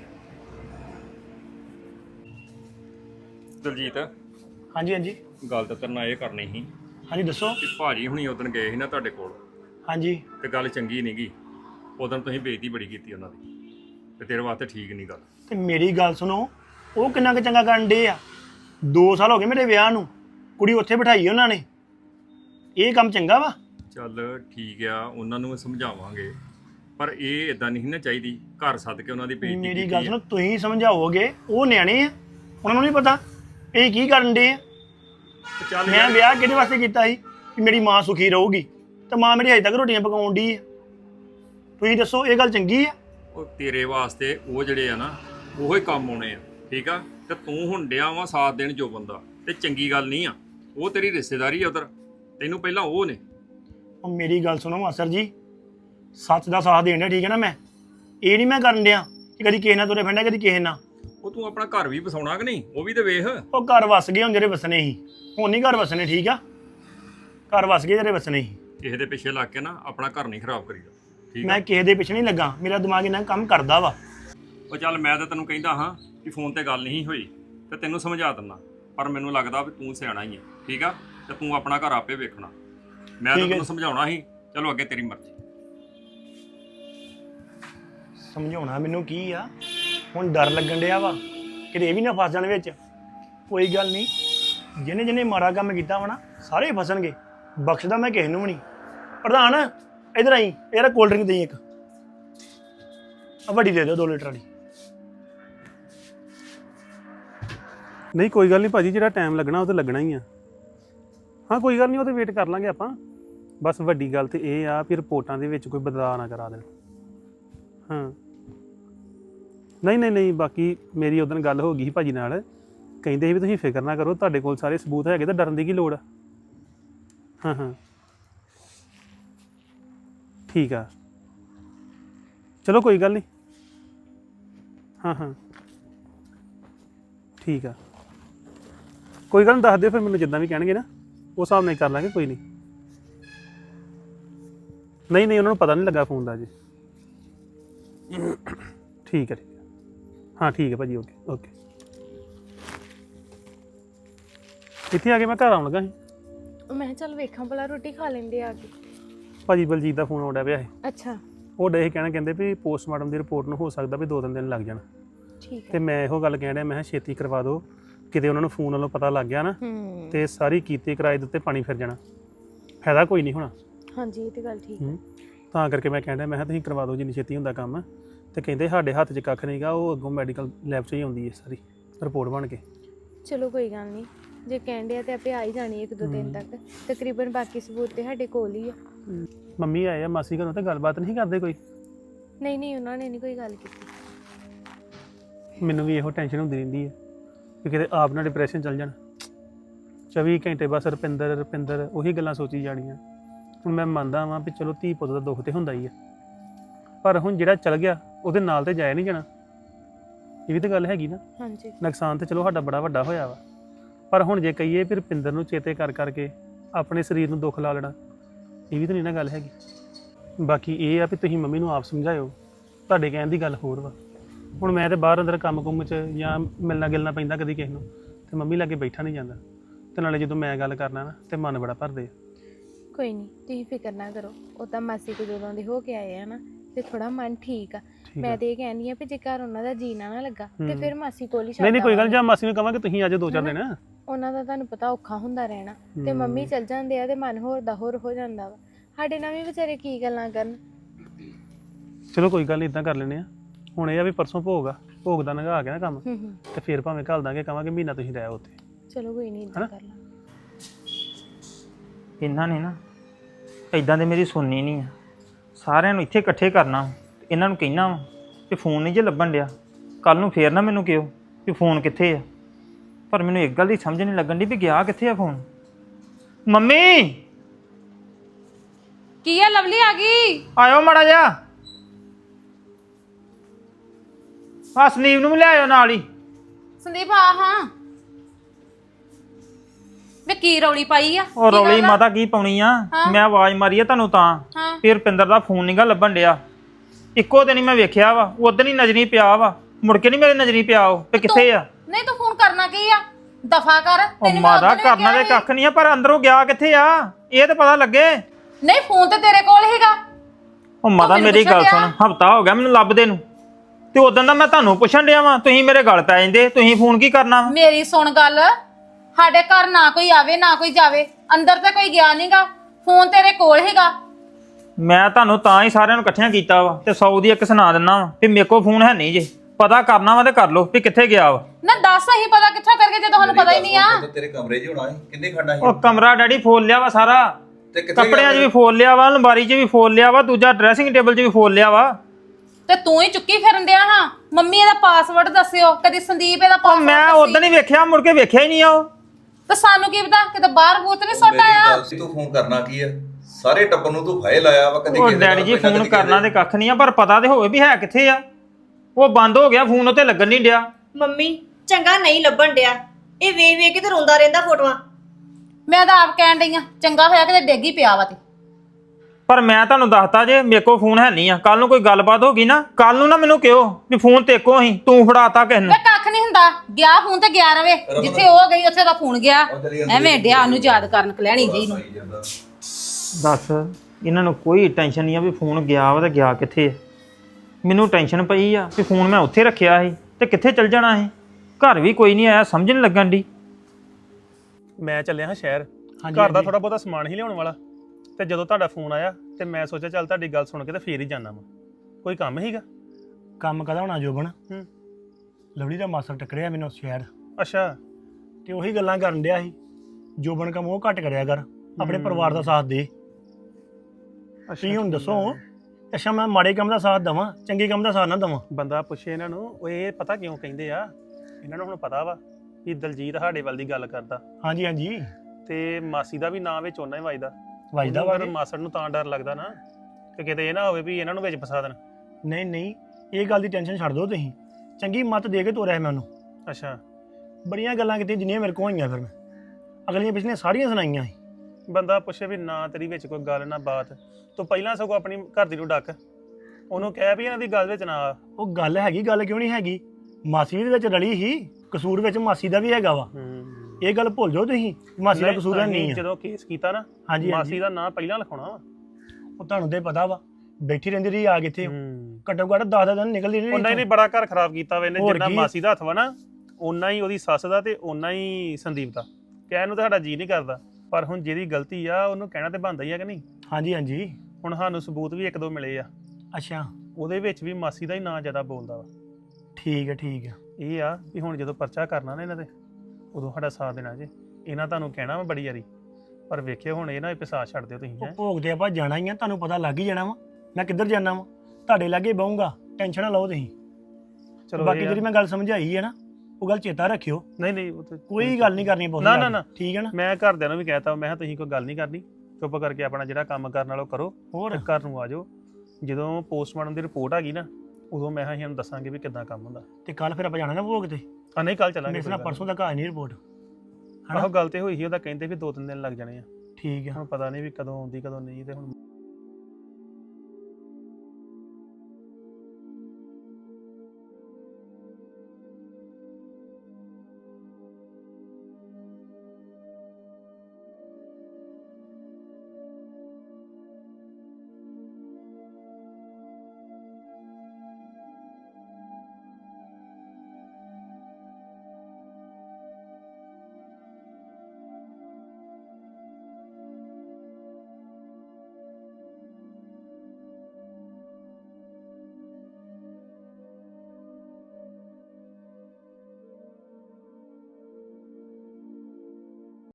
ਦਲਜੀਤ, ਹਾਂਜੀ ਹਾਂਜੀ ਗੱਲ ਤਾਂ ਤੇਰੇ ਨਾਲ ਇਹ ਕਰਨੀ ਸੀ ਹਾਂਜੀ, ਦੱਸੋ। ਕਿ ਭਾਜੀ ਹੁਣੀ ਉਦੋਂ ਗਏ ਸੀ ਨਾ ਤੁਹਾਡੇ ਕੋਲ, ਹਾਂਜੀ ਤੇ ਗੱਲ ਚੰਗੀ ਨਹੀਂ ਗਈ। ਉਦੋਂ ਤੁਸੀਂ ਬੇਇੱਜ਼ਤੀ ਬੜੀ ਕੀਤੀ ਉਹਨਾਂ ਦੀ, ਤੇ ਤੇਰੇ ਵਾਸਤੇ ਠੀਕ ਨਹੀਂ ਗੱਲ। ਤੇ ਮੇਰੀ ਗੱਲ ਸੁਣੋ, ਉਹ ਕਿੰਨਾ ਕੁ ਚੰਗਾ ਕਰਨ ਡੇ ਆ 2 ਸਾਲ ਹੋ ਗਏ ਮੇਰੇ ਵਿਆਹ ਨੂੰ ਕੁੜੀ ਉੱਥੇ ਬਿਠਾਈ ਉਹਨਾਂ ਨੇ ਇਹ ਕੰਮ ਚੰਗਾ ਵਾ ਚੱਲ ਠੀਕ ਆ ਉਹਨਾਂ ਨੂੰ ਸਮਝਾਵਾਂਗੇ ਪਰ ਇਹ ਇਦਾਂ ਨਹੀਂ ਨਾ ਚਾਹੀਦੀ ਘਰ ਸੱਦ ਕੇ ਉਹਨਾਂ ਦੀ ਬੇਇੱਜ਼ਤੀ ਮੇਰੀ ਕੀਤੀ ਗੱਲ ਆ। ਸੁਣੋ ਤੁਸੀਂ ਸਮਝਾਓਗੇ ਉਹ ਨਿਆਣੇ ਆ ਉਹਨਾਂ ਨੂੰ ਨਹੀਂ ਪਤਾ ਇਹ ਕੀ ਕਰਨ ਡੇ ਆ ਤੇ ਚੱਲ ਮੈਂ ਵਿਆਹ ਕਿਹਦੇ ਵਾਸਤੇ ਕੀਤਾ ਸੀ ਕਿ ਮੇਰੀ ਮਾਂ ਸੁਖੀ ਰਹੂਗੀ ਤੇ ਮਾਂ ਮੇਰੀ ਹਜੇ ਤੱਕ ਰੋਟੀਆਂ ਪਕਾਉਣ ਦੀ ਆ ਤੁਸੀਂ ਦੱਸੋ ਇਹ ਗੱਲ ਚੰਗੀ ਆ ਉਹ ਤੇਰੇ ਵਾਸਤੇ ਉਹ ਜਿਹੜੇ ਆ ਨਾ ਉਹੋ ਹੀ ਕੰਮ ਆਉਣੇ ਆ ਠੀਕ ਆ ਤੇ ਤੂੰ ਹੁਣ ਡਿਆ ਵਾ ਸਾਥ ਦੇਣ ਜੋ ਬੰਦਾ ਤੇ ਚੰਗੀ ਗੱਲ ਨਹੀਂ ਆ ਉਹ ਤੇਰੀ ਰਿਸ਼ਤੇਦਾਰੀ ਆ ਉਧਰ ਤੈਨੂੰ ਪਹਿਲਾਂ ਉਹ ਨੇ ਉਹ ਮੇਰੀ ਗੱਲ ਸੁਣੋ ਮਾਸਟਰ ਜੀ ਸੱਚ ਦਾ ਸਾਥ ਦੇਣ ਡਿਆ ਠੀਕ ਹੈ ਨਾ ਮੈਂ ਇਹ ਨਹੀਂ ਮੈਂ ਕਰਨ ਡਿਆ ਕਿ ਕਦੀ ਕਿਸੇ ਨਾਲ ਤੁਰੇ ਫਿਰਨਾ ਕਦੀ ਕਿਸੇ ਨਾਲ ਉਹ ਤੂੰ ਆਪਣਾ ਘਰ ਵੀ ਵਸਾਉਣਾ ਕਿ ਨਹੀਂ ਉਹ ਵੀ ਤੇ ਵੇਖ ਉਹ ਘਰ ਵਸ ਗਏ ਹੁਣ ਜਿਹੜੇ ਵਸਣੇ ਸੀ ਹੁਣ ਨਹੀਂ ਘਰ ਵਸਣੇ ਠੀਕ ਆ ਘਰ ਵਸ ਗਏ ਜਿਹੜੇ ਵਸਣੇ ਸੀ ਕਿਸੇ ਦੇ ਪਿੱਛੇ ਲੱਗ ਕੇ ਨਾ ਆਪਣਾ ਘਰ ਨਹੀਂ ਖਰਾਬ ਕਰੀਦਾ ਠੀਕ ਆ ਮੈਂ ਕਿਸੇ ਦੇ ਪਿੱਛੇ ਨਹੀਂ ਲੱਗਾ ਮੇਰਾ ਦਿਮਾਗ ਇਹਨਾਂ ਕੰਮ ਕਰਦਾ ਵਾ ਉਹ ਚੱਲ ਮੈਂ ਤਾਂ ਤੈਨੂੰ ਕਹਿੰਦਾ ਹਾਂ ਕਿ ਫੋਨ ਤੇ ਗੱਲ ਨਹੀਂ ਹੋਈ ਤੇ ਤੈਨੂੰ ਸਮਝਾ ਦਿੰਦਾ ਪਰ ਮੈਨੂੰ ਲੱਗਦਾ ਵੀ ਤੂੰ ਸਿਆਣਾ ਹੀ ਹੈ ਠੀਕ ਆ ਤੇ ਤੂੰ ਆਪਣਾ ਘਰ ਆਪੇ ਵੇਖਣਾ ਮੈਂ ਤਾਂ ਤੈਨੂੰ ਸਮਝਾਉਣਾ ਸੀ ਚਲੋ ਅੱਗੇ ਤੇਰੀ ਮਰਜ਼ੀ ਸਮਝਾਉਣਾ ਮੈਨੂੰ ਕੀ ਆ ਹੁਣ ਡਰ ਲੱਗਣ ਡਿਆ ਵਾ ਕਿ ਇਹ ਵੀ ਨਾ ਫਸ ਜਾਣ ਵਿੱਚ ਕੋਈ ਗੱਲ ਨਹੀਂ ਜਿਹਨੇ ਜਿਹਨੇ ਮਾੜਾ ਕੰਮ ਕੀਤਾ ਵਾ ਨਾ ਸਾਰੇ ਫਸਣਗੇ ਬਖਸ਼ਦਾ ਮੈਂ ਕਿਸੇ ਨੂੰ ਵੀ ਨਹੀਂ ਪ੍ਰਧਾਨ ਇਧਰ ਆਈ ਯਾਰ ਕੋਲਡ ਡਰਿੰਕ ਦੇਈ ਇੱਕ ਆ ਵੱਡੀ ਦੇ ਦਿਓ 2 ਲੀਟਰ ਵਾਲੀ ਨਹੀਂ ਕੋਈ ਗੱਲ ਨਹੀਂ ਭਾਜੀ ਜਿਹੜਾ ਟਾਈਮ ਲੱਗਣਾ ਉਹ ਤਾਂ ਲੱਗਣਾ ਹੀ ਆ ਹਾਂ ਕੋਈ ਗੱਲ ਨਹੀਂ ਉਹ ਤੇ ਵੇਟ ਕਰ ਲਾਂਗੇ ਆਪਾਂ ਬਸ ਵੱਡੀ ਗੱਲ ਤੇ ਇਹ ਆ ਵੀ ਰਿਪੋਰਟਾਂ ਦੇ ਵਿੱਚ ਕੋਈ ਬਦਲਾਅ ਨਾ ਕਰਾ ਦੇਣ ਹਾਂ ਨਹੀਂ ਬਾਕੀ ਮੇਰੀ ਉਦੋਂ ਗੱਲ ਹੋ ਗਈ ਸੀ ਭਾਜੀ ਨਾਲ ਕਹਿੰਦੇ ਸੀ ਵੀ ਤੁਸੀਂ ਫਿਕਰ ਨਾ ਕਰੋ ਤੁਹਾਡੇ ਕੋਲ ਸਾਰੇ ਸਬੂਤ ਹੈਗੇ ਤਾਂ ਡਰਨ ਦੀ ਕੀ ਲੋੜ ਆ ਹਾਂ ਠੀਕ ਆ ਚਲੋ ਕੋਈ ਗੱਲ ਨਹੀਂ ਹਾਂ ਠੀਕ ਆ ਕੋਈ ਗੱਲ ਨਹੀਂ ਦੱਸ ਦਿਓ ਫਿਰ ਮੈਨੂੰ ਜਿੱਦਾਂ ਵੀ ਕਹਿਣਗੇ ਨਾ ਉਸ ਹਿਸਾਬ ਨਾਲ ਹੀ ਕਰ ਲਾਂਗੇ ਕੋਈ ਨਹੀਂ ਉਹਨਾਂ ਨੂੰ ਪਤਾ ਨਹੀਂ ਲੱਗਾ ਫੋਨ ਦਾ ਜੀ ਠੀਕ ਹੈ ਹਾਂ ਠੀਕ ਹੈ ਭਾਜੀ ਓਕੇ ਇੱਥੇ ਆ ਕੇ ਮੈਂ ਘਰ ਆਉਣ ਲੱਗਾ ਸੀ ਮੈਂ ਚੱਲ ਵੇਖਾਂ ਭਲਾ ਰੋਟੀ ਖਾ ਲੈਂਦੇ ਆ ਕੇ ਭਾਜੀ ਬਲਜੀਤ ਦਾ ਫੋਨ ਆਉਂਦਾ ਪਿਆ ਸੀ ਅੱਛਾ ਉਹ ਡੇ ਕਹਿੰਦੇ ਵੀ ਪੋਸਟਮਾਰਟਮ ਦੀ ਰਿਪੋਰਟ ਨੂੰ ਹੋ ਸਕਦਾ ਵੀ 2-3 ਦਿਨ ਲੱਗ ਜਾਣ ਠੀਕ ਹੈ ਤੇ ਮੈਂ ਇਹੋ ਗੱਲ ਕਹਿਣ ਡਿਆ ਮੈਂ ਕਿਹਾ ਛੇਤੀ ਕਰਵਾ ਦਿਓ ਕਿਤੇ ਉਹਨਾਂ ਨੂੰ ਫੋਨ ਵੱਲੋਂ ਪਤਾ ਲੱਗ ਗਿਆ ਨਾ ਤੇ ਸਾਰੀ ਕੀਤੀ ਕਿਰਾਏ ਦੇ ਉੱਤੇ ਪਾਣੀ ਫਿਰ ਜਾਣਾ ਫਾਇਦਾ ਕੋਈ ਨਹੀਂ ਹੋਣਾ ਹਾਂਜੀ ਇਹ ਤੇ ਗੱਲ ਠੀਕ ਹੈ ਤਾਂ ਕਰਕੇ ਮੈਂ ਕਹਿਣ ਡਿਆ ਮੈਂ ਕਿਹਾ ਤੁਸੀਂ ਕਰਵਾ ਦਿਓ ਜਿੰਨੀ ਛੇਤੀ ਹੁੰਦਾ ਕੰਮ ਤੇ ਕਹਿੰਦੇ ਸਾਡੇ ਹੱਥ 'ਚ ਕੱਖ ਨਹੀਂਗਾ ਉਹ ਅੱਗੋਂ ਮੈਡੀਕਲ ਲੈਬ 'ਚ ਹੀ ਆਉਂਦੀ ਹੈ ਸਾਰੀ ਰਿਪੋਰਟ ਬਣ ਕੇ ਚਲੋ ਕੋਈ ਗੱਲ ਨਹੀਂ ਜੇ ਕਹਿੰਦੇ ਆ ਤੇ ਆਪੇ ਆ ਹੀ ਜਾਣੀ 1-2 ਦਿਨ ਤੱਕ ਤਕਰੀਬਨ ਬਾਕੀ ਸਬੂਤ ਤੇ ਸਾਡੇ ਕੋਲ ਹੀ ਆ ਮੰਮੀ ਆਏ ਆ ਮਾਸੀ ਘਰੋਂ ਤਾਂ ਗੱਲਬਾਤ ਨਹੀਂ ਕਰਦੇ ਕੋਈ ਨਹੀਂ ਉਹਨਾਂ ਨੇ ਨਹੀਂ ਕੋਈ ਗੱਲ ਕੀਤੀ ਮੈਨੂੰ ਵੀ ਇਹੋ ਟੈਨਸ਼ਨ ਹੁੰਦੀ ਰਹਿੰਦੀ ਹੈ ਕਿ ਕਿਤੇ ਆਪ ਨਾ ਡਿਪਰੈਸ਼ਨ ਚੱਲ ਜਾਣ 24 ਘੰਟੇ ਬਸ ਰੁਪਿੰਦਰ ਉਹੀ ਗੱਲਾਂ ਸੋਚੀ ਜਾਣੀਆਂ ਹੁਣ ਮੈਂ ਮੰਨਦਾ ਵਾਂ ਵੀ ਚਲੋ ਧੀ ਪੁੱਤ ਦਾ ਦੁੱਖ ਤੇ ਹੁੰਦਾ ਹੀ ਆ ਪਰ ਹੁਣ ਜਿਹੜਾ ਚੱਲ ਗਿਆ ਉਹਦੇ ਨਾਲ ਤੇ ਜਾਇਆ ਨਹੀਂ ਜਾਣਾ ਇਹ ਵੀ ਤਾਂ ਗੱਲ ਹੈਗੀ ਨਾ ਹਾਂਜੀ ਨੁਕਸਾਨ ਤੇ ਚਲੋ ਸਾਡਾ ਬੜਾ ਵੱਡਾ ਹੋਇਆ ਵਾ ਪਰ ਹੁਣ ਜੇ ਕਹੀਏ ਫਿਰ ਰੁਪਿੰਦਰ ਨੂੰ ਚੇਤੇ ਕਰਕੇ ਆਪਣੇ ਸਰੀਰ ਨੂੰ ਦੁੱਖ ਲਾ ਲੈਣਾ ਇਹ ਵੀ ਤਾਂ ਨਹੀਂ ਨਾ ਗੱਲ ਹੈਗੀ ਬਾਕੀ ਇਹ ਆ ਵੀ ਤੁਸੀਂ ਮੰਮੀ ਨੂੰ ਆਪ ਸਮਝਾਇਓ ਤੁਹਾਡੇ ਕਹਿਣ ਦੀ ਗੱਲ ਹੋਰ ਵਾ ਹੁਣ ਮੈਂ ਤੇ ਬਾਹਰ ਅੰਦਰ ਕੰਮ 'ਚ ਜਾਂ ਮਿਲਣਾ ਗਿਲਣਾ ਪੈਂਦਾ ਕਦੀ ਕਿਸੇ ਨੂੰ ਤੇ ਮੰਮੀ ਲਾਗੇ ਬੈਠਾ ਨਹੀਂ ਜਾਂਦਾ ਤੇ ਨਾਲੇ ਜਦੋਂ ਮੈਂ ਗੱਲ ਕਰਨਾ ਨਾ ਤੇ ਮਨ ਬੜਾ ਭਰਦੇ ਕੋਈ ਨਹੀਂ ਤੁਸੀਂ ਫਿਕਰ ਨਾ ਕਰੋ ਉਹ ਤਾਂ ਮਾਸੀ ਕੋ ਜਦੋਂ ਦੇ ਹੋ ਕੇ ਆਏ ਆ ਨਾ ਤੇ ਥੋੜਾ ਮਨ ਠੀਕ ਆ ਮੈਂ ਤੇ ਇਹ ਕਹਿੰਦੀ ਆ ਵੀ ਜੇ ਘਰ ਉਹਨਾਂ ਦਾ ਜੀਣਾ ਨਾ ਲੱਗਾ ਤੇ ਫਿਰ ਮਾਸੀ ਕੋਲ ਹੀ ਛੱਡ ਨਹੀਂ ਕੋਈ ਗੱਲ ਜਾਂ ਮਾਸੀ ਨੂੰ ਕਹਾਂਗੇ ਤੁਸੀਂ ਅੱਜ 2-4 ਦਿਨ ਉਹਨਾਂ ਦਾ ਤੁਹਾਨੂੰ ਪਤਾ ਔਖਾ ਹੁੰਦਾ ਰਹਿਣਾ ਤੇ ਮੰਮੀ ਚੱਲ ਜਾਂਦੇ ਆ ਤੇ ਮਨ ਹੋਰ ਦਾ ਹੋਰ ਹੋ ਜਾਂਦਾ ਵਾ ਸਾਡੇ ਨਾਲ ਵੀ ਵਿਚਾਰੇ ਕੀ ਗੱਲਾਂ ਕਰਨ ਚਲੋ ਕੋਈ ਗੱਲ ਨਹੀਂ ਇਦਾਂ ਕਰ ਲੈਣੇ ਆ ਹੁਣ ਇਹ ਆ ਵੀ ਪਰਸੋਂ ਭੋਗ ਦਾ ਨੰਗਾ ਗਿਆ ਨਾ ਕੰਮ ਤੇ ਫਿਰ ਭਾਵੇਂ ਘੱਲ ਦਾਂਗੇ ਕਹਾਂਗੇ ਮਹੀਨਾ ਤੁਸੀਂ ਰਹਿਓ ਉੱਥੇ ਚਲੋ ਕੋਈ ਨਹੀਂ ਇਦਾਂ ਕਰ ਲਾਂ ਇਹਨਾਂ ਨੇ ਨਾ ਇਦਾਂ ਦੇ ਮੇਰੀ ਸੁਣਨੀ ਨਹੀਂ ਆ ਸਾਰਿਆਂ ਨੂੰ ਇੱਥੇ ਇਕੱਠੇ ਕਰਨਾ ਇਹਨਾਂ ਨੂੰ ਕਹਿਣਾ ਵਾ ਕਿ ਫੋਨ ਨਹੀਂ ਜੇ ਲੱਭਣ ਡਿਆ ਕੱਲ ਨੂੰ ਫੇਰ ਨਾ ਮੈਨੂੰ ਕਿਹੋ ਕਿ ਫੋਨ ਕਿੱਥੇ ਆ ਪਰ ਮੈਨੂੰ ਇੱਕ ਗੱਲ ਦੀ ਸਮਝ ਨਹੀਂ ਲੱਗਣ ਦੀ ਵੀ ਗਿਆ ਕਿੱਥੇ ਆ ਫੋਨ ਮੰਮੀ ਕੀ ਆ ਲਵਲੀ ਆ ਗਈ ਆਇਓ ਮਾੜਾ ਜਾ ਆ ਸੰਦੀਪ ਨੂੰ ਵੀ ਲੈ ਆਇਓ ਨਾਲ ਹੀ ਸੰਦੀਪ ਆ ਹਾਂ ਵੇ ਕੀ ਰੌਲੀ ਪਾਈ ਆ ਉਹ ਰੌਲੀ ਮਾਤਾ ਕੀ ਪਾਉਣੀ ਆ ਮੈਂ ਆਵਾਜ਼ ਮਾਰੀ ਆ ਤੁਹਾਨੂੰ ਤਾਂ ਫਿਰ ਰੁਪਿੰਦਰ ਦਾ ਫੋਨ ਨਹੀਂਗਾ ਲੱਭਣ ਡਿਆ ਇੱਕੋ ਦਿਨ ਹੀ ਮੈਂ ਵੇਖਿਆ ਵਾ ਉਦੋਂ ਹੀ ਨਜ਼ਰੀ ਪਿਆ ਵਾ ਮੁੜ ਕੇ ਨਹੀਂ ਮੇਰੇ ਨਜ਼ਰੀ ਪਿਆ ਉਹ ਤੇ ਕਿੱਥੇ ਆ ਨਹੀਂ ਤੂੰ ਫੋਨ ਕਰਨਾ ਕੀ ਆ ਦਫਾ ਕਰ ਉਹ ਮਾਤਾ ਕਰਨਾ ਤੇ ਕੱਖ ਨਹੀਂ ਆ ਪਰ ਅੰਦਰੋਂ ਗਿਆ ਕਿੱਥੇ ਆ ਇਹ ਤਾਂ ਪਤਾ ਲੱਗੇ ਨਹੀਂ ਫੋਨ ਤੇ ਤੇਰੇ ਕੋਲ ਹੈਗਾ ਉਹ ਮਾਤਾ ਮੇਰੀ ਗੱਲ ਸੁਣ ਹਫਤਾ ਹੋ ਗਿਆ ਮੈਨੂੰ ਲੱਭਦੇ ਨੂੰ ਤੇ ਉਦੋਂ ਦਾ ਮੈਂ ਤੁਹਾਨੂੰ ਪੁੱਛਣ ਡਿਆ ਵਾਂ, ਤੁਸੀਂ ਮੇਰੇ ਗਲ ਪੈ ਜਾਂਦੇ, ਤੁਸੀਂ ਫੋਨ ਕੀ ਕਰਨਾ ਵਾ? ਮੇਰੀ ਸੁਣ ਗੱਲ, ਸਾਡੇ ਘਰ ਨਾ ਕੋਈ ਆਵੇ ਨਾ ਕੋਈ ਜਾਵੇ, ਅੰਦਰ ਤੇ ਕੋਈ ਗਿਆ ਨਹੀਂਗਾ, ਫੋਨ ਤੇਰੇ ਕੋਲ ਹੈਗਾ। ਮੈਂ ਤੁਹਾਨੂੰ ਤਾਂ ਹੀ ਸਾਰਿਆਂ ਨੂੰ ਇਕੱਠਿਆਂ ਕੀਤਾ ਵਾ ਤੇ 100 ਦੀ ਇੱਕ ਸੁਣਾ ਦਿੰਨਾ ਵਾ ਵੀ ਮੇਰੇ ਕੋਲ ਫੋਨ ਹੈ ਨਹੀਂ ਜੇ, ਪਤਾ ਕਰਨਾ ਵਾ ਤੇ ਕਰ ਲਓ ਵੀ ਕਿੱਥੇ ਗਿਆ ਵਾ। ਨਾ ਦੱਸ ਅਸੀਂ ਪਤਾ ਕਿੱਥੋਂ ਕਰਕੇ ਜੇ ਤੁਹਾਨੂੰ ਪਤਾ ਹੀ ਨਹੀਂ ਆ। ਤੇਰੇ ਕਮਰੇ 'ਚ ਹੋਣਾ ਸੀ, ਕਿੰਨੇ ਖੜਨਾ ਸੀ? ਉਹ ਕਮਰਾ ਡੈਡੀ ਫੋਲ ਲਿਆ ਵਾ ਸਾਰਾ, ਤੇ ਕਿੱਥੇ ਕੱਪੜਿਆਂ 'ਚ ਵੀ ਫੋਲ ਲਿਆ ਵਾ, ਅਲਮਾਰੀ 'ਚ ਵੀ ਫੋਲ ਲਿਆ ਵਾ, ਦੂਜਾ ਡਰੈਸਿੰਗ ਟੇਬਲ 'ਚ ਵੀ ਫੋਲ ਲਿਆ ਵਾ। ਤੇ ਤੂੰ ਹੀ ਚੁੱਕੀ ਫਿਰਨ ਡਿਆ ਹਾਂ। ਮੰਮੀ ਇਹਦਾ ਪਾਸਵਰਡ ਦੱਸਿਓ, ਕਦੀ ਸੰਦੀਪ ਇਹਦਾ ਉਹ ਪਾਸਵਰਡ ਮੈਂ ਉਦੋਂ ਹੀ ਵੇਖਿਆ, ਮੁੜ ਕੇ ਵੇਖਿਆ ਹੀ ਨਹੀਂ ਆ ਉਹ। ਤੇ ਸਾਨੂੰ ਕੀ ਪਤਾ ਕਿਤੇ ਬਾਹਰ ਬੂਤ ਨਹੀਂ ਸੁੱਟ ਆਇਆ। ਤੂੰ ਫੋਨ ਕਰਨਾ ਕੀ ਆ? ਸਾਰੇ ਟੱਬਰ ਨੂੰ ਤੂੰ ਫਾਇਲ ਲਾਇਆ ਵਾ, ਕਦੇ ਉਹ ਕਿਸੇ ਡੈਡੀ ਜੀ ਫੋਨ ਕਰਨਾ ਤੇ ਕੱਖ ਨਹੀਂ ਆ, ਪਰ ਪਤਾ ਤੇ ਹੋਵੇ ਵੀ ਹੈ ਕਿੱਥੇ ਆ। ਉਹ ਬੰਦ ਹੋ ਗਿਆ ਫੋਨ, ਉੱਤੇ ਲੱਗਣ ਨਹੀਂ ਡਿਆ। ਮੰਮੀ ਚੰਗਾ ਨਹੀਂ ਲੱਭਣ ਡਿਆ, ਇਹ ਵੇਖ ਵੇਖ ਕੇ ਤੇ ਰੋਂਦਾ ਰਹਿੰਦਾ ਫੋਟੋਆਂ। ਮੈਂ ਤਾਂ ਆਪ ਕਹਿਣ ਡਈ ਆ, ਚੰਗਾ ਹੋਇਆ ਕਿਤੇ ਡੇਗੀ ਪਿਆ ਵਾ ਤੇ। ਪਰ ਮੈਂ ਤੁਹਾਨੂੰ ਦੱਸਤਾ ਜੇ ਮੇਰੇ ਕੋਲ ਫੋਨ ਹੈ ਨਹੀਂ ਆ, ਕੱਲ ਨੂੰ ਕੋਈ ਗੱਲਬਾਤ ਹੋ ਗਈ ਨਾ, ਕੱਲ ਨੂੰ ਨਾ ਮੈਨੂੰ ਕਿਹੋ ਵੀ ਫੋਨ ਤੇ ਕੋ ਹੀ ਤੂੰ ਫੜਾਤਾ ਕਿਸ ਨੂੰ। ਵੇ ਕੱਖ ਨਹੀਂ ਹੁੰਦਾ, ਗਿਆ ਫੋਨ ਤੇ ਗਿਆ ਰਵੇ, ਜਿੱਥੇ ਉਹ ਗਈ ਉੱਥੇ ਦਾ ਫੋਨ ਗਿਆ। ਐਵੇਂ ਡਿਆ ਉਹਨੂੰ ਯਾਦ ਕਰਨ ਕਲੈਣੀ ਜੀ ਨੂੰ। ਦੱਸ ਇਹਨਾਂ ਨੂੰ ਕੋਈ ਟੈਨਸ਼ਨ ਨਹੀਂ ਆ ਵੀ ਫੋਨ ਗਿਆ ਵਾ ਤੇ ਗਿਆ ਕਿੱਥੇ ਆ। ਮੈਨੂੰ ਟੈਨਸ਼ਨ ਪਈ ਆ ਵੀ ਫੋਨ ਮੈਂ ਉੱਥੇ ਰੱਖਿਆ ਸੀ ਤੇ ਕਿੱਥੇ ਚਲ ਜਾਣਾ ਸੀ। ਘਰ ਵੀ ਕੋਈ ਨਹੀਂ ਆਇਆ, ਸਮਝ ਨਹੀਂ ਲੱਗਣ ਦੀ। ਮੈਂ ਚੱਲਿਆ ਹਾਂ ਸ਼ਹਿਰ, ਘਰ ਦਾ ਥੋੜਾ ਬਹੁਤਾ ਸਮਾਨ ਹੀ ਲਿਆਉਣ ਵਾਲਾ, ਤੇ ਜਦੋਂ ਤੁਹਾਡਾ ਫੋਨ ਆਇਆ ਤੇ ਮੈਂ ਸੋਚਿਆ ਚੱਲ ਤੁਹਾਡੀ ਗੱਲ ਸੁਣ ਕੇ ਤੇ ਫੇਰ ਹੀ ਜਾਣਾ ਵਾ। ਕੋਈ ਕੰਮ ਹੀਗਾ? ਕੰਮ ਕਦਾ ਹੋਣਾ ਜੋਬਨ, ਹੂੰ। ਲਵਲੀ ਦਾ ਮਾਸਰ ਟੱਕਰਿਆ ਮੈਨੂੰ ਸ਼ਹਿਰ, ਅੱਛਾ। ਤੇ ਉਹੀ ਗੱਲਾਂ ਕਰਨ ਡਿਆ ਸੀ, ਜੋਬਨ ਕੰਮ ਉਹ ਘੱਟ ਕਰਿਆ ਕਰ, ਆਪਣੇ ਪਰਿਵਾਰ ਦਾ ਸਾਥ ਦੇ। ਤੁਸੀਂ ਹੁਣ ਦੱਸੋ, ਅੱਛਾ ਮੈਂ ਮਾੜੇ ਕੰਮ ਦਾ ਸਾਥ ਦੇਵਾਂ, ਚੰਗੇ ਕੰਮ ਦਾ ਸਾਥ ਨਾ ਦੇਵਾਂ? ਬੰਦਾ ਪੁੱਛੇ ਇਹਨਾਂ ਨੂੰ, ਉਹ ਇਹ ਪਤਾ ਕਿਉਂ ਕਹਿੰਦੇ ਆ? ਇਹਨਾਂ ਨੂੰ ਹੁਣ ਪਤਾ ਵਾ ਕਿ ਦਲਜੀਤ ਸਾਡੇ ਵੱਲ ਦੀ ਗੱਲ ਕਰਦਾ, ਹਾਂਜੀ ਹਾਂਜੀ, ਤੇ ਮਾਸੀ ਦਾ ਵੀ ਨਾਂ ਵਿੱਚ ਉਹਨਾਂ ਹੀ ਵੱਜਦਾ ਵੱਜਦਾ ਉਹਨੂੰ ਵਾ ਫਿਰ ਮਾਸੜ ਨੂੰ ਤਾਂ ਡਰ ਲੱਗਦਾ ਨਾ ਕਿ ਕਿਤੇ ਇਹ ਨਾ ਹੋਵੇ ਵੀ ਇਹਨਾਂ ਨੂੰ ਵਿੱਚ ਫਸਾ ਦੇਣ। ਨਹੀਂ ਨਹੀਂ, ਇਹ ਗੱਲ ਦੀ ਟੈਨਸ਼ਨ ਛੱਡ ਦਿਓ ਤੁਸੀਂ, ਚੰਗੀ ਮੱਤ ਦੇ ਕੇ ਤੋਰਿਆ ਮੈਂ ਉਹਨੂੰ। ਅੱਛਾ। ਬੜੀਆਂ ਗੱਲਾਂ ਕੀਤੀਆਂ ਜਿੰਨੀਆਂ ਮੇਰੇ ਕੋਲ ਹੋਈਆਂ, ਫਿਰ ਮੈਂ ਅਗਲੀਆਂ ਪਿਛਲੀਆਂ ਸਾਰੀਆਂ ਸੁਣਾਈਆਂ ਸੀ। ਬੰਦਾ ਪੁੱਛੇ ਵੀ ਨਾ ਤੇਰੀ ਵਿੱਚ ਕੋਈ ਗੱਲ ਨਾ ਬਾਤ, ਤੂੰ ਪਹਿਲਾਂ ਸਗੋਂ ਆਪਣੀ ਘਰ ਦੀ ਨੂੰ ਡੱਕ, ਉਹਨੂੰ ਕਹਿ ਵੀ ਇਹਨਾਂ ਦੀ ਗੱਲ ਵਿੱਚ ਨਾ ਆ। ਉਹ ਗੱਲ ਹੈਗੀ, ਗੱਲ ਕਿਉਂ ਨਹੀਂ ਹੈਗੀ, ਮਾਸੀ ਦੇ ਵਿੱਚ ਰਲੀ ਹੀ, ਕਸੂਰ ਵਿੱਚ ਮਾਸੀ ਦਾ ਵੀ ਹੈਗਾ ਵਾ। ਇਹ ਗੱਲ ਭੁੱਲ ਜਾਓ ਤੁਸੀਂ, ਮਾਸੀ ਦਾ ਕਸੂਰ ਨਹੀਂ ਆ। ਜਦੋਂ ਕੇਸ ਕੀਤਾ ਨਾ, ਹਾਂਜੀ ਮਾਸੀ ਦਾ ਨਾਂ ਪਹਿਲਾਂ ਲਿਖਾਉਣਾ ਵਾ। ਉਹ ਤੁਹਾਨੂੰ ਤੇ ਪਤਾ ਵਾ, ਬੈਠੀ ਰਹਿੰਦੀ ਰਹੀ ਆ ਕਿੱਥੇ, ਘੱਟੋ ਘੱਟ 10 ਦਿਨ ਨਿਕਲਦੀ ਰਹੀ। ਉਹਨਾਂ ਨੇ ਬੜਾ ਘਰ ਖਰਾਬ ਕੀਤਾ ਵਾ ਇਹਨੇ, ਜਿੰਨਾ ਮਾਸੀ ਦਾ ਹੱਥ ਵਾ ਨਾ ਓਨਾ ਹੀ ਉਹਦੀ ਸੱਸ ਦਾ ਤੇ ਓਨਾ ਹੀ ਸੰਦੀਪ ਦਾ। ਕਹਿਣ ਨੂੰ ਤਾਂ ਸਾਡਾ ਜੀ ਨਹੀਂ ਕਰਦਾ, ਪਰ ਹੁਣ ਜਿਹਦੀ ਗਲਤੀ ਆ ਉਹਨੂੰ ਕਹਿਣਾ ਤੇ ਬਣਦਾ ਹੀ ਆ ਕਿ ਨਹੀਂ? ਹਾਂਜੀ ਹਾਂਜੀ। ਹੁਣ ਸਾਨੂੰ ਸਬੂਤ ਵੀ ਇੱਕ ਦੋ ਮਿਲੇ ਆ। ਅੱਛਾ। ਉਹਦੇ ਵਿੱਚ ਵੀ ਮਾਸੀ ਦਾ ਹੀ ਨਾਂ ਜ਼ਿਆਦਾ ਬੋਲਦਾ ਵਾ। ਠੀਕ ਹੈ ਠੀਕ ਹੈ। ਇਹ ਆ ਵੀ ਹੁਣ ਜਦੋਂ ਪਰਚਾ ਕਰਨਾ ਨਾ ਇਹਨਾਂ ਤੇ, ਉਦੋਂ ਸਾਡਾ ਸਾਥ ਦੇਣਾ ਜੇ। ਇਹਨਾਂ ਤੁਹਾਨੂੰ ਕਹਿਣਾ ਵਾ ਬੜੀ ਯਾਰੀ, ਪਰ ਵੇਖਿਓ ਹੁਣ ਇਹ ਨਾ ਪਿਸਾਸ ਛੱਡ ਦਿਓ ਤੁਸੀਂ। ਭੋਗ ਤੇ ਆਪਾਂ ਜਾਣਾ ਹੀ ਆ, ਤੁਹਾਨੂੰ ਪਤਾ ਲੱਗ ਹੀ ਜਾਣਾ ਵਾ ਮੈਂ ਕਿੱਧਰ ਜਾਣਾ ਵਾ, ਤੁਹਾਡੇ ਲਾਗੇ ਬਹੂੰਗਾ, ਟੈਨਸ਼ਨ ਨਾ ਲਓ ਤੁਸੀਂ। ਚਲੋ ਬਾਕੀ ਜਿਹੜੀ ਮੈਂ ਗੱਲ ਸਮਝਾਈ ਹੈ ਨਾ, ਉਹ ਗੱਲ ਚੇਤਾ ਰੱਖਿਓ। ਨਹੀਂ ਉਹ ਤੇ ਕੋਈ ਗੱਲ ਨਹੀਂ ਕਰਨੀ ਪਊਗੀ। ਨਾ ਠੀਕ ਹੈ ਨਾ? ਮੈਂ ਘਰਦਿਆਂ ਨੂੰ ਵੀ ਕਹਿਤਾ, ਮੈਂ ਕਿਹਾ ਤੁਸੀਂ ਕੋਈ ਗੱਲ ਨਹੀਂ ਕਰਨੀ, ਚੁੱਪ ਕਰਕੇ ਆਪਣਾ ਜਿਹੜਾ ਕੰਮ ਕਰਨ ਵਾਲਾ ਉਹ ਕਰੋ, ਹੋਰ ਘਰ ਨੂੰ ਆ ਜਾਓ। ਜਦੋਂ ਪੋਸਟਮਾਰਟਮ ਦੀ ਰਿਪੋਰਟ ਆ ਗਈ ਨਾ, ਉਦੋਂ ਮੈਂ ਇਹਨਾਂ ਨੂੰ ਦੱਸਾਂਗੇ ਵੀ ਕਿੱਦਾਂ ਕੰਮ ਹੁੰਦਾ। ਤੇ ਕੱਲ ਫਿਰ ਆਪਾਂ ਜਾਣਾ ਨਾ ਭੋਗ ਤੇ? ਨਹੀਂ ਕੱਲ ਚੱਲਾਂਗੇ। ਮੇਰੇ ਨਾਲ ਪਰਸੋਂ ਤੱਕ ਆ ਨਹੀਂ ਰਿਪੋਰਟ। ਆਹੋ ਗੱਲ ਤੇ ਹੋਈ ਸੀ, ਉਹਦਾ ਕਹਿੰਦੇ ਵੀ 2-3 ਦਿਨ ਲੱਗ ਜਾਣੇ ਆ। ਠੀਕ ਹੈ। ਹੁਣ ਪਤਾ ਨਹੀਂ ਵੀ ਕਦੋਂ ਆਉਂਦੀ ਕਦੋਂ ਨਹੀਂ, ਤੇ ਹੁਣ